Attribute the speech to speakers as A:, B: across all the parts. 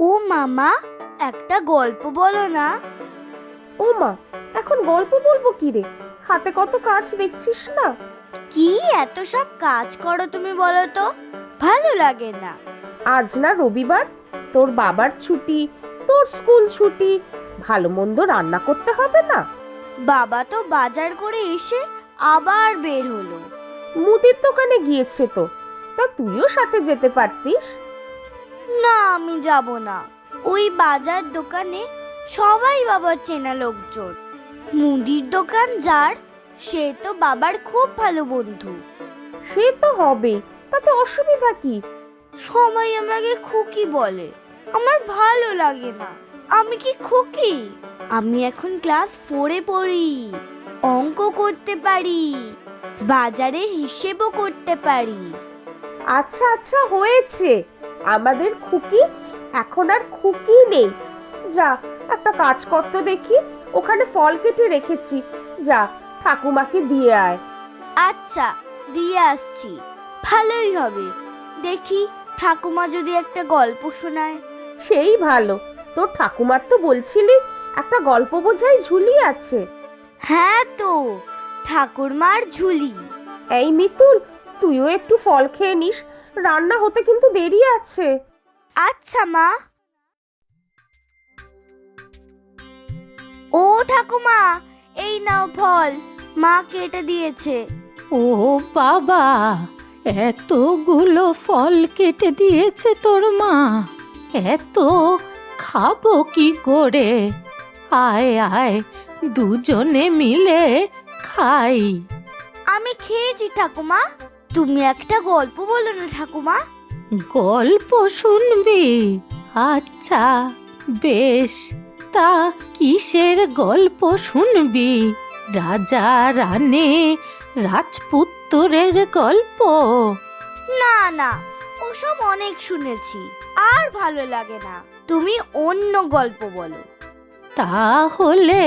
A: ও মামা, একটা গল্প বলো না।
B: ও মা, এখন গল্প বলবো কি রে? হাতে কত কাজ দেখছিস না?
A: কি এত সব কাজ করো তুমি, বলো তো? ভালো লাগে না।
B: আজ না রবিবার, তোর বাবার ছুটি, তোর স্কুল ছুটি, ভালো মন্দ রান্না করতে হবে না?
A: বাবা তো বাজার করে এসে আবার বের হলো।
B: মুদির দোকানে গিয়েছে তো, তা তুইও সাথে যেতে পারতিস।
A: না, আমি যাব না। ওই বাজার দোকানে সবাই বাবার চেনা লোকজন। মুদির দোকান যার, সে তো বাবার খুব ভালো বন্ধু।
B: সে তো হবেই, তাতে অসুবিধা কি?
A: সবাই আমাকে খুকি বলে, আমার ভালো লাগে না। আমি কি খুকি? আমি এখন ক্লাস 4-এ পড়ি, অঙ্ক করতে পারি, বাজারের হিসেবও করতে পারি।
B: আচ্ছা আচ্ছা, হয়েছে। আমাদের খুকি এখন আর খুকি নেই। যা, একটা কাজ করতে দেখি, ওখানে ফল কেটে রেখেছি, যা ঠাকুমাকে দিয়ে আয়।
A: আচ্ছা, দিয়ে আসছি। ভালোই হবে। দেখি ঠাকুমা যদি একটা গল্প শোনায়।
B: সেই ভালো। তোর ঠাকুমার তো বলছিলি একটা গল্প বোঝাই ঝুলি আছে।
A: হ্যাঁ তো, ঠাকুরমার ঝুলি।
B: এই মিতুল, তুইও একটু ফল খেয়ে নিস, রান্না হতে কিন্তু দেরি আছে।
A: আচ্ছা মা। ও ঠাকুমা, এই নাও ফল, মা কেটে দিয়েছে।
C: ও বাবা, এতগুলো ফল কেটে দিয়েছে তোর মা? এত খাবো কি করে? আয় আয়, দুজনে মিলে খাই।
A: আমি খেয়েছি ঠাকুমা। তুমি একটা গল্প বলো না ঠাকুমা।
C: গল্প শুনবি? আচ্ছা বেশ, তা কিসের গল্প শুনবি? রাজা রানী রাজপুত্তরের গল্প?
A: না না, ওসব অনেক শুনেছি, আর ভালো লাগে না। তুমি অন্য গল্প বলো।
C: তাহলে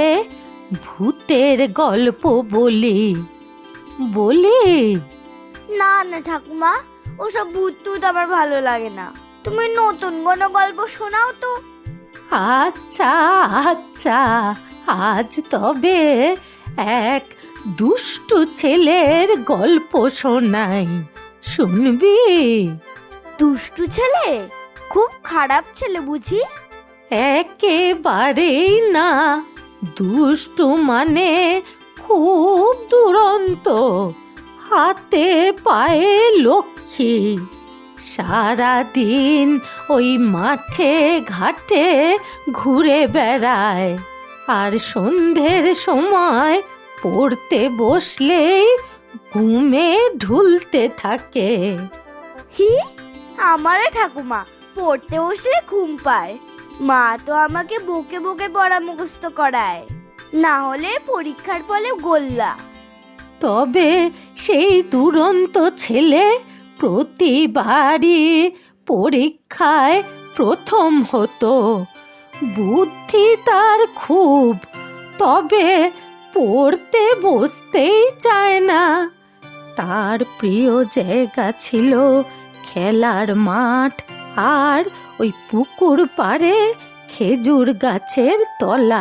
C: ভূতের গল্প বলি বলি?
A: না না ঠাকুমা, ওসব ভূত টুত আমার ভালো লাগে না। তুমি নতুন কোনো গল্প শোনাও তো।
C: আচ্ছা আচ্ছা, আজ তবে এক দুষ্টু ছেলের গল্প শোনাই, শুনবি?
A: দুষ্টু ছেলে? খুব খারাপ ছেলে বুঝি?
C: একেবারেই না, দুষ্টু মানে খুব দুরন্ত, হাতে পায়ে লক্ষ্মী। সারাদিন ওই মাঠে ঘাটে ঘুরে বেড়ায়, আর সন্ধ্যের সময় পড়তে বসলেই ঘুমে ঢুলতে থাকে।
A: হি, আমারে ঠাকুমা পড়তে বসলে ঘুম পায়। মা তো আমাকে বকে বকে পড়া মুখস্থ করায়, না হলে পরীক্ষার ফলে গোল্লা।
C: তবে সেই দুরন্ত ছেলে প্রতিবারই পরীক্ষায় প্রথম হতো। বুদ্ধি তার খুব, তবে পড়তে বসতেই চায় না। তার প্রিয় জায়গা ছিল খেলার মাঠ, আর ওই পুকুর পাড়ে খেজুর গাছের তলা।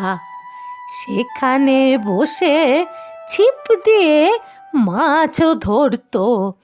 C: সেখানে বসে ছিপ দিয়ে মাছও ধরতো।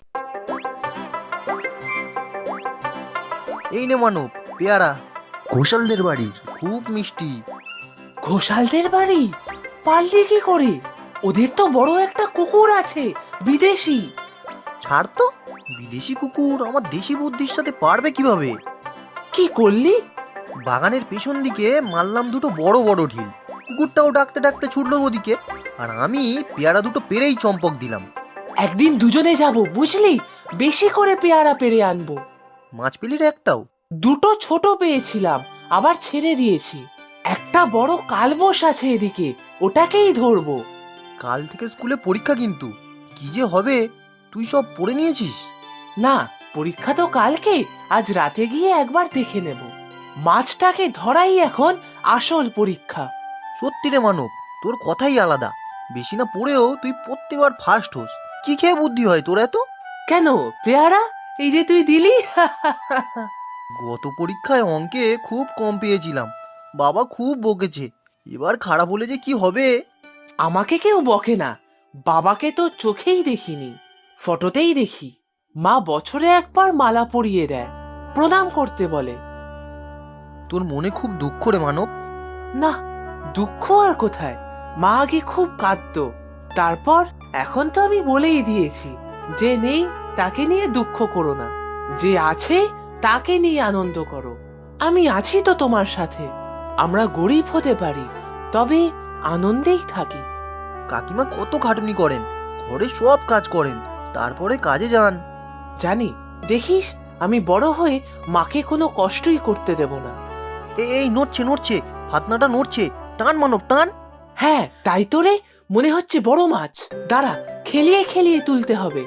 D: এই নে মানব, পেয়ারা। ঘোষালদের বাড়ির, খুব মিষ্টি।
E: ঘোষালদের বাড়ি? পারলি কি করে? ওদের তো বড় একটা কুকুর আছে, বিদেশি।
D: ছাড় তো, বিদেশি কুকুর আমার দেশি বুদ্ধির সাথে পারবে কিভাবে?
E: কি করলি?
D: বাগানের পেছন দিকে মারলাম দুটো বড় বড় ঢিল, কুকুরটাও ডাকতে ডাকতে ছুটলো ওদিকে, আর আমি পেয়ারা দুটো পেরেই চম্পক দিলাম।
E: একদিন দুজনে যাব বুঝলি, বেশি করে পেয়ারা পেরে আনবো।
D: মাছ পেলি রে একটাও?
E: দুটো ছোট পেয়েছিলাম, আবার ছেড়ে দিয়েছি। একটা বড় কালবোস আছে এদিকে, ওটাকেই ধরবো।
D: কাল থেকে স্কুলে পরীক্ষা কিন্তু, কি যে হবে? তুই সব পড়ে নিয়েছিস?
E: না, পরীক্ষা তো কালকে, আজ রাতে গিয়ে একবার দেখে নেব। মাছটাকে ধরাই এখন আসল পরীক্ষা।
D: সত্যি রে মানব, তোর কথাই আলাদা। বেশি না পড়েও তুই প্রত্যেকবার ফার্স্ট হোস। কি খেয়ে বুদ্ধি হয় তোর এত?
E: কেন পেয়ারা? এই যে তুই দিলি।
D: গত পরীক্ষায় অঙ্কে খুব কম পেয়েছিলাম, বাবা খুব বকেছে। এবার খারাপ হলে যে কি হবে।
E: আমাকে কেউ বকে না, বাবাকে তো চোখেই দেখিনি, ফটোতেই দেখি। মা বছরে একবার মালা পরিয়ে দেয়, প্রণাম করতে বলে।
D: তোর মনে খুব দুঃখ রে মানব।
E: না, দুঃখ আর কোথায়, মা আগে খুব কাঁদতো, তারপর এখন তো আমি বলেই দিয়েছি, যে নেই তাকে নিয়ে দুঃখ করো না, যে আছে তাকে নিয়ে আনন্দ করো। আমি আছি তো তোমার সাথে। আমরা গরিব হতে পারি, তবে আনন্দেই থাকি।
D: কাকিমা কত খাটুনি করেন, ঘরে সব কাজ করেন, তারপরে কাজে যান।
E: জানি, দেখিস আমি বড় হয়ে মাকে কোনো কষ্টই করতে দেব না।
D: এই নড়ছে নড়ছে, ফাতনাটা নড়ছে, টান মানব টান।
E: হ্যাঁ তাই তো রে, মনে হচ্ছে বড় মাছ। দাঁড়া, খেলিয়ে খেলিয়ে তুলতে হবে।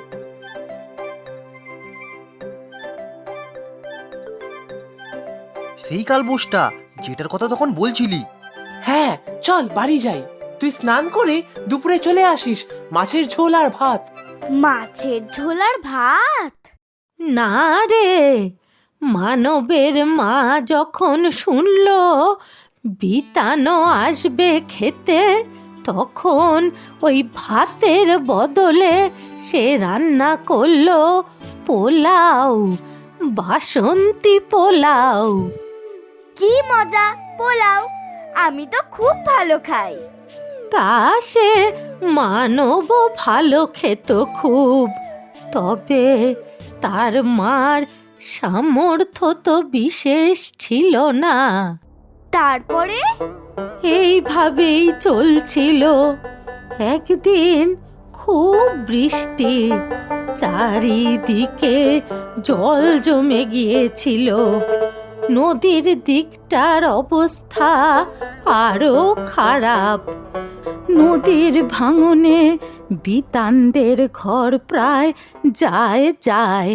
D: সেই কালবোসটা যেটার কথা তখন বলছিলি।
E: হ্যাঁ চল বাড়ি যাই, তুই স্নান করে দুপুরে চলে আসিস, মাছের ঝোল আর ভাত।
A: মাছের ঝোল আর ভাত?
C: না রে, মানবের মা যখন শুনল বিতানো আসবে খেতে, তখন ওই ভাতের বদলে সে রান্না করলো পোলাও, বাসন্তী পোলাও।
A: কি মজা! পোলাও আমি তো খুব ভালো খাই।
C: তা সে মানব ভালো খেত খুব, তবে তার মার সামর্থ্য তো বিশেষ ছিল না।
A: তারপরে?
C: এইভাবেই চলছিল। একদিন খুব বৃষ্টি, চারিদিকে জল জমে গিয়েছিল। নদীর দিকটার অবস্থা আরো খারাপ। নদীর ভাঙনে বিতানদের ঘর প্রায় যায় যায়।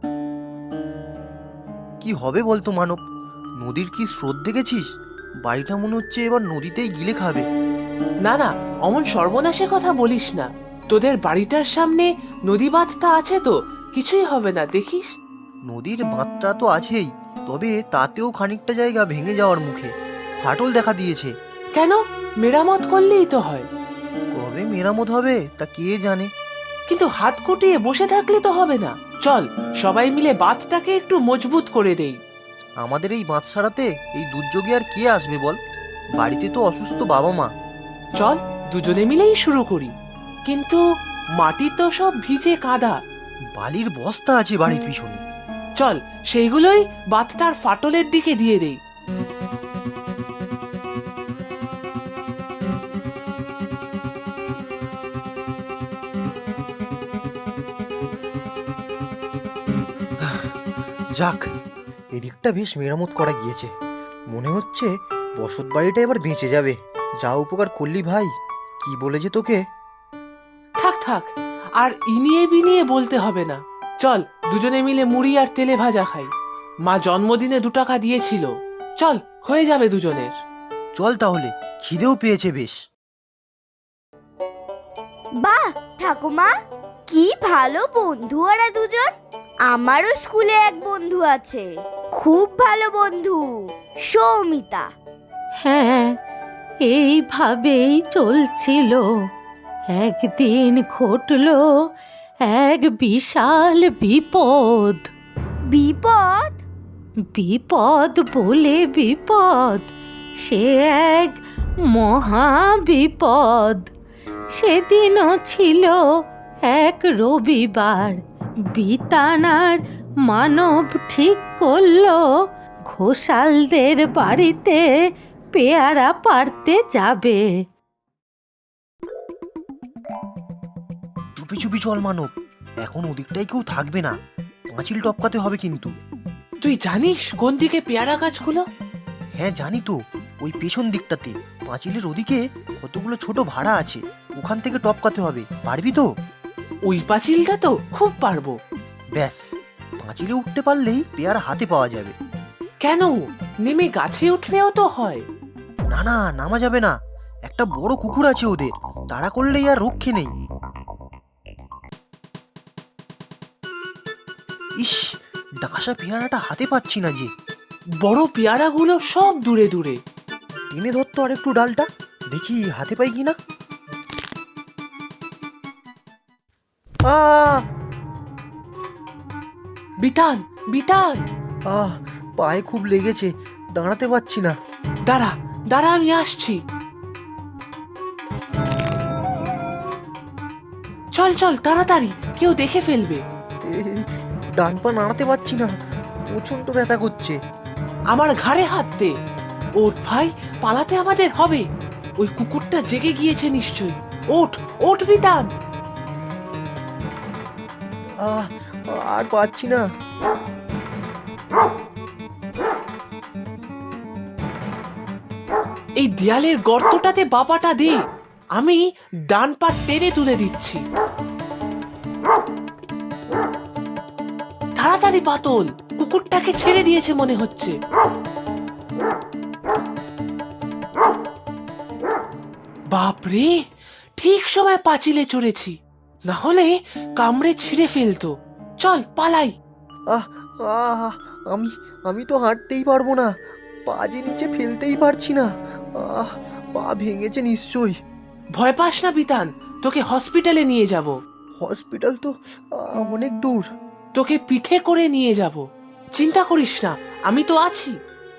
D: কি হবে বলতো মানব, নদীর কি স্রোত দেখেছিস? বাড়িটা মনে হচ্ছে এবার নদীতেই গিলে খাবে।
E: না না, অমন সর্বনাশের কথা বলিস না। তোদের বাড়িটার সামনে নদী বাঁধটা আছে তো, কিছুই হবে না, দেখিস।
D: নদীর বাঁধটা তো আছেই, তবে তাতেও খানিকটা জায়গা ভেঙে যাওয়ার মুখে, ফাটল দেখা দিয়েছে।
E: কেন, মেরামত করলেই তো হয়।
D: কবে মেরামত হবে তা কে জানে।
E: কিন্তু হাত গুটিয়ে বসে থাকলে তো হবে না। চল সবাই মিলে বাঁধটাকে একটু মজবুত করে দেই।
D: আমাদের এই বাঁধ সারাতে এই দুর্যোগে আর কে আসবে বল? বাড়িতে তো অসুস্থ বাবা মা।
E: চল দুজনে মিলেই শুরু করি। কিন্তু মাটি তো সব ভিজে কাদা।
D: বালির বস্তা আছে বাড়ির পিছনে।
E: চল সেইগুলোই বাঁধটার ফাটলের দিকে দিয়ে দেই।
D: যাক, এদিকটা বেশ মেরামত করা গিয়েছে। মনে হচ্ছে বসত বাড়িটা এবার বেঁচে যাবে। যা উপকার করলি ভাই, কি বলেছে তোকে।
E: থাক থাক, আর ইনিয়ে বিনিয়ে বলতে হবে না। চল দুজনে মিলে মুড়ি আর তেলে ভাজা খাই। মা জন্মদিনে 2 টাকা দিয়েছিল। চল, হয়ে যাবে দুজনের।
D: চল তাহলে, খিদেও পেয়েছে বেশ।
A: বাহ ঠাকুমা, কি ভালো বন্ধু ওরা দুজন। আমারও স্কুলে এক বন্ধু আছে, খুব ভালো বন্ধু, সৌমিতা।
C: হ্যাঁ, এইভাবেই চলছিল। একদিন ঘটল এক বিশাল বিপদ।
A: বিপদ?
C: বিপদ বলে বিপদ, সে এক মহা বিপদ। সেদিনও ছিল এক রবিবার। বিতানার মানব ঠিক করলো ঘোষালদের বাড়িতে পেয়ারা পাড়তে যাবে।
D: চুপি চুপি চল মানব, এখন ওদিকটাই কেউ থাকবে না, পাঁচিল টপকাতে হবে কিন্তু।
E: তুই জানিস কোন দিকে পেয়ারা গাছগুলো?
D: হ্যাঁ জানি তো, ওই পেছন দিকটাতে পাঁচিলের ওদিকে কতগুলো ছোট ভাড়া আছে, ওখান থেকে টপকাতে হবে। পারবি তো?
E: ওই পাঁচিলটা তো খুব পারবো।
D: ব্যাস, পাঁচিলে উঠতে পারলেই পেয়ারা হাতে পাওয়া যাবে।
E: কেন, নেমে গাছে উঠলেও তো হয়।
D: না না, নামা যাবে না, একটা বড় কুকুর আছে ওদের, তাড়া করলেই আর রক্ষে নেই। ইস, ডাসা পেয়ারাটা হাতে পাচ্ছি না যে।
E: বড় পেয়ারাগুলো সব দূরে দূরে।
D: টেনে ধরতো আর একটু ডালটা, দেখি হাতে পাই কিনা।
E: বিতান, বিতান,
D: পায়ে খুব লেগেছে, দাঁড়াতে পারছি না।
E: দাঁড়া দাঁড়া, আমি আসছি। চল চল তাড়াতাড়ি, কেউ দেখে ফেলবে।
D: ডান পা নাড়াতে পারছি না, প্রচন্ড ব্যথা করছে।
E: আমার ঘাড়ে হাত দে। ওঠ ভাই, পালাতে আমাদের হবে। ওই কুকুরটা জেগে গিয়েছে নিশ্চয়ই। ওঠ ওঠ বিতান।
D: আর পাচ্ছি না।
E: এই দেয়ালের গর্তটাতে বাবাটা দে, আমি ডান পা টেনে তুলে দিচ্ছি। তাড়াতাড়ি পাতল, কুকুরটাকে ছেড়ে দিয়েছে মনে হচ্ছে। বাপরে, ঠিক সময় পাঁচিলে চড়েছি, না হলে কামড়ে ছিঁড়ে ফেলতো। চল পালাই।
D: আমি আমি তো হাঁটতেই পারবো না, পা যে নিচে ফেলতেই পারছি না। পা ভেঙেছে নিশ্চয়ই।
E: ভয় পাস না বিতান, তোকে হসপিটালে নিয়ে যাব।
D: হসপিটাল তো অনেক দূর।
E: তোকে পিঠে করে নিয়ে যাব, চিন্তা করিস না, আমি তো আছি।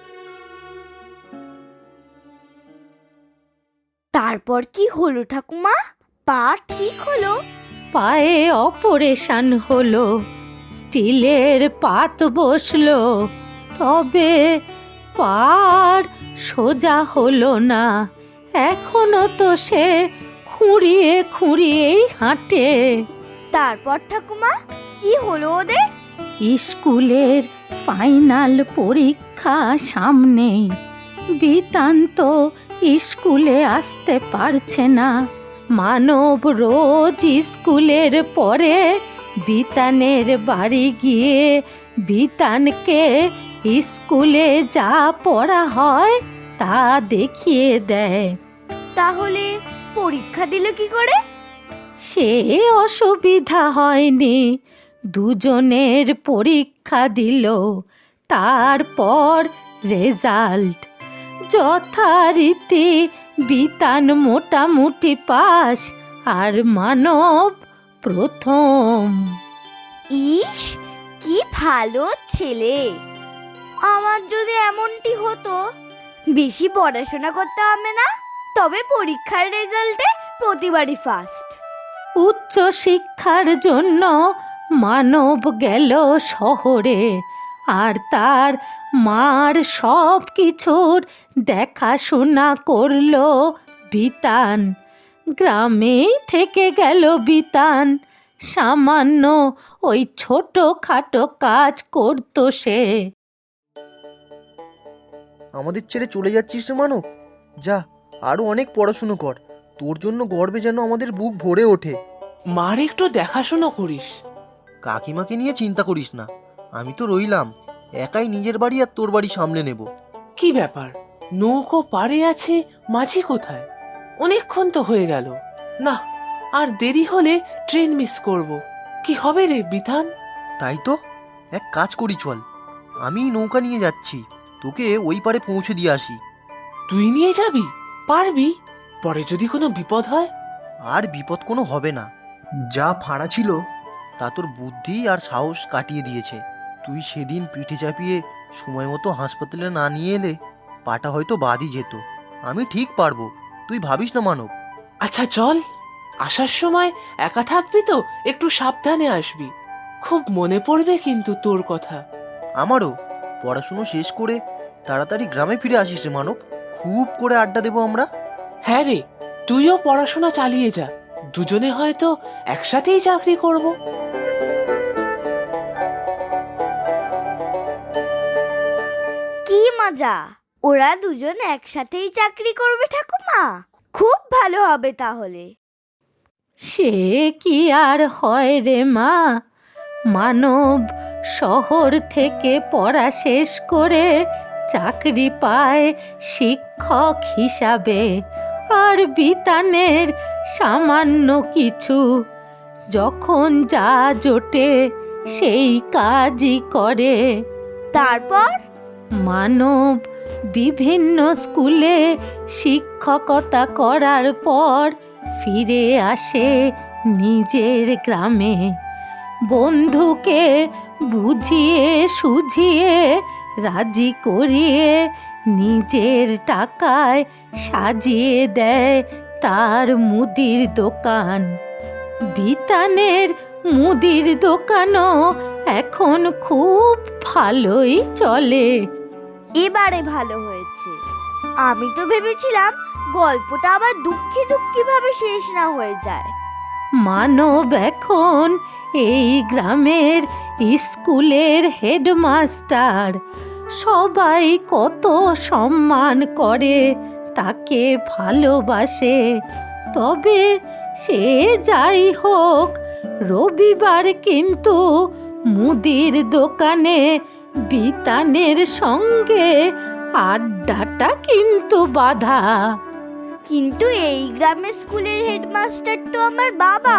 A: তারপর কি হলো ঠাকুমা? পা ঠিক হলো?
C: পায়ে অপারেশন হলো, স্টিলের পাত বসলো, তবে পার সোজা হলো না। এখনো তো সে খুঁড়িয়ে খুঁড়িয়েই হাঁটে।
A: তারপর ঠাকুমা কি হলো ওদের?
C: স্কুলের ফাইনাল পরীক্ষা সামনে, বিতান তো স্কুলে আসতে পারছে না। মানব রোজ স্কুলের পরে বিতানের বাড়ি গিয়ে বিতানকে স্কুলে যা পড়া হয় তা দেখিয়ে দেয়।
A: তাহলে পরীক্ষা দিল কি করে?
C: সে অসুবিধা হয়নি, দুজনের পরীক্ষা দিল, তারপর রেজাল্ট যথারীতি বিতান মোটামুটি পাস, আর মানব প্রথম।
A: ইস, কি ভালো ছেলে! আমার যদি এমনটি হতো, বেশি পড়াশোনা করতে হবে না, তবে পরীক্ষার রেজাল্টে প্রতিবারই ফার্স্ট।
C: উচ্চ শিক্ষার জন্য মানব গেল শহরে, আর তার মার সব কিছুর দেখাশোনা করলো বিতান। গ্রামেই থেকে গেল বিতান, সামান্য ওই ছোটখাটো কাজ করতো সে।
D: আমাদের ছেড়ে চলে যাচ্ছিস রে মানব? যা, আরো অনেক পড়াশুনো কর, তোর জন্য গর্বে যেন আমাদের বুক ভরে ওঠে।
E: মার একটু দেখাশোনা করিস।
D: কাকিমাকে নিয়ে চিন্তা করিস না, আমি তো রইলাম, একাই নিজের বাড়ি আর তোর বাড়ি সামলে নেব।
E: কি ব্যাপার, নৌকো পাড়ে আছে, মাঝি কোথায়? অনেকক্ষণ তো হয়ে গেল। না, আর দেরি হলে ট্রেন মিস করব। কি হবে রে বিধান?
D: তাই তো, এক কাজ করি চল, আমি নৌকা নিয়ে যাচ্ছি, তোকে ওই পারে পৌঁছে দিয়ে আসি।
E: তুই নিয়ে যাবি? পারবি? পরে যদি কোনো বিপদ হয়?
D: আর বিপদ কোনো হবে না, যা ফাঁড়া ছিল তা তোর বুদ্ধি আর সাহস কাটিয়ে দিয়েছে। তুই সেদিন পিঠে চাপিয়ে সময় মতো হাসপাতালে না নিয়ে এলে পাটা হয়তো বাদই যেত। আমি ঠিক পারবো, তুই ভাবিস না মানব।
E: আচ্ছা চল, আসার সময় একা থাকবি তো, একটু সাবধানে আসবি। খুব মনে পড়বে কিন্তু তোর কথা।
D: আমারও। পড়াশুনো শেষ করে তাড়াতাড়ি গ্রামে ফিরে আসিস রে মানব, খুব করে আড্ডা দেবো আমরা।
E: হ্যাঁ রে, তুইও পড়াশোনা চালিয়ে যা, দুজনে হয়তো একসাথেই চাকরি করব।
A: কি মজা! ওরা দুজন একসাথেই চাকরি করবে ঠাকুমা, খুব ভালো হবে তাহলে।
C: সে কি আর হয় রে মা, মানব শহর থেকে পড়া শেষ করে চাকরি পায় শিক্ষক হিসাবে, আর বিতানের সামান্য কিছু। যখন যা জোটে সেই কাজই করে।
A: তারপর
C: মানব বিভিন্ন স্কুলে শিক্ষকতা করার পর ফিরে আসে নিজের গ্রামে। বন্ধুকে বুঝিয়ে সুঝিয়ে রাজি করিয়ে নিজের টাকায় সাজিয়ে দেয় তার মুদির দোকান। বিতানের মুদির দোকানও এখন খুব ভালোই চলে।
A: এবারে ভালো হয়েছে। আমি তো ভেবেছিলাম গল্পটা আবার দুঃখী দুঃখী ভাবে শেষ না হয়ে যায়।
C: মানব এখন এই গ্রামের স্কুলের হেডমাস্টার। সবাই কত সম্মান করে, তাকে ভালোবাসে। তবে সে যাই হোক, রবিবার কিন্তু মুদির দোকানে বিতানের সঙ্গে আড্ডাটা কিন্তু বাধা।
A: কিন্তু এই গ্রামের স্কুলের হেডমাস্টার তো আমার বাবা।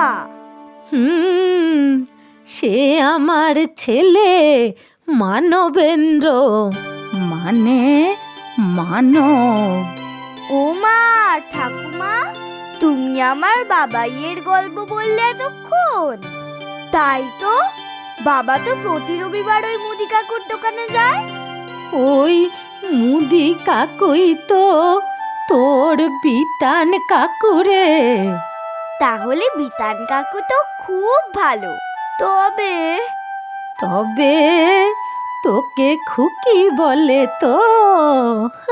C: সে আমার ছেলে মানবেন্দ্র, মানে মানব।
A: ও মা, ঠাকুমা, তুমি আমার বাবাইয়ের গল্প বললে এতক্ষণ। তাই তো, বাবা তো প্রতি রবিবার ওই মুদি কাকুর দোকানে যায়।
C: ওই মুদি কাকুই তো তোর বিতান কাকুরে।
A: তাহলে বিতান কাকু তো খুব ভালো। তবে
C: তবে তোকে খুকি বলে তো?